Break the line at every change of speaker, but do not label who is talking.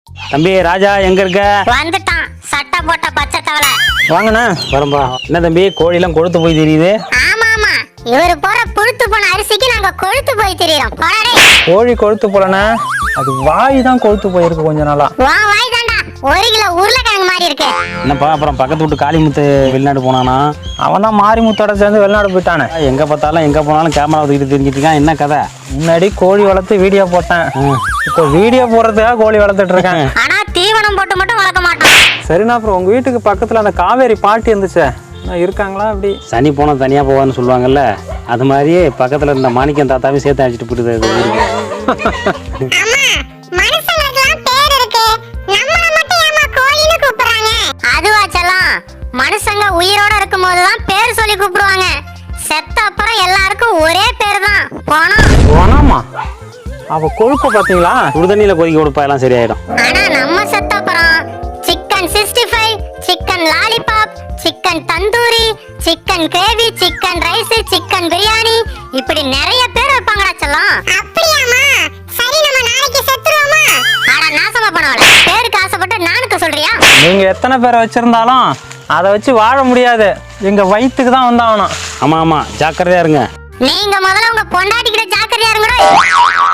தம்பி ராஜா எங்க இருக்க?
வந்துட்டான் சட்டை போட்ட பச்சை தவளை.
வாங்கண்ணா. வரம்பா. என்ன தம்பி கோழிலாம் கொழுத்து போய் தெரியுது?
ஆமா ஆமா, இவரு போற புழுத்து போன அரிசிக்கு நாங்க கொழுத்து போய் திரியறோம். போடா.
கோழி கொழுத்து போலண்ணா, அது வாய் தான் கொழுத்து போயிருக்கு கொஞ்ச நாளா.
வா வாய் தாண்டா 1 கிலோ உருளைக்கிழங்கு மாதிரி இருக்கு.
என்னப்பா அப்புறம் பக்கத்து வீட்டு காளிமுத்து வெளிநாடு போனானா?
அவன் தான் மாரிமுத்தோட சேர்ந்து வெளிநாடு போயிட்டானே.
எங்க பார்த்தாலும் எங்க போனாலும் கேமரா தூக்கிட்டு தெரிஞ்சிட்டு இருக்கான். என்ன கதை?
முன்னாடி கோழி வளர்த்து வீடியோ போட்டேன், இப்போ வீடியோ போடுறதுக்காக கோழி வளர்த்துட்டு இருக்கேன்.
ஆனா தீவனம் போட்டு மட்டும் வளர்க்க மாட்டான்.
சரிண்ணா, அப்புறம் உங்க வீட்டுக்கு பக்கத்துல அந்த காவேரி பாட்டி இருந்துச்சே, இருக்காங்களா? அப்படி
சனி போனா தனியா போவான்னு சொல்லுவாங்கல்ல, அது மாதிரியே பக்கத்துல இருந்த மாணிக்கம் தாத்தாவையும் சேர்த்து அழைச்சிட்டு போயிடுது.
மனுஷங்களுக்குலாம் பேர் இருக்கு, நம்மள மட்டும் ஏமா கோழின்னு கூப்பிடுறாங்க? அதுவா செல்லம், மனுஷங்க உயிரோட இருக்கும்போது தான் பேர் சொல்லி கூப்பிடுவாங்க. செத்த அப்புறம் எல்லாருக்கும் ஒரே பேர் தான், போனோம்.
போனாமா? அவ கொழுப்ப பாத்தீங்களா?
சுடுதண்ணியில கொதிக்க கொடுப்பா எல்லாம் சரியாயிடும்.
ஆனா நம்ம செத்த அப்புறம் chicken 65, chicken lollipop, chicken tandoori, chicken gravy, chicken rice, chicken biryani, இப்படி நிறைய பேர் வைப்பாங்கடா செல்லம். அப்படியாமா? சரி, நம்ம நாளைக்கு செத்துருவோமா? அட நாசமா பண்ணவள, பேருக்கு ஆசைப்பட்டு நானுக்கு சொல்றியா?
நீங்க எத்தனை பேரை வச்சிருந்தாலும் அதை வச்சு வாழ முடியாது, எங்க வயிற்றுக்கு தான் வந்தாகணும்.
ஆமா ஆமா, ஜாக்கிரதையா இருங்க.
நீங்க முதல்ல உங்க பொண்டாட்டிக்கிட்ட ஜாக்கிரதையா இருங்கடா.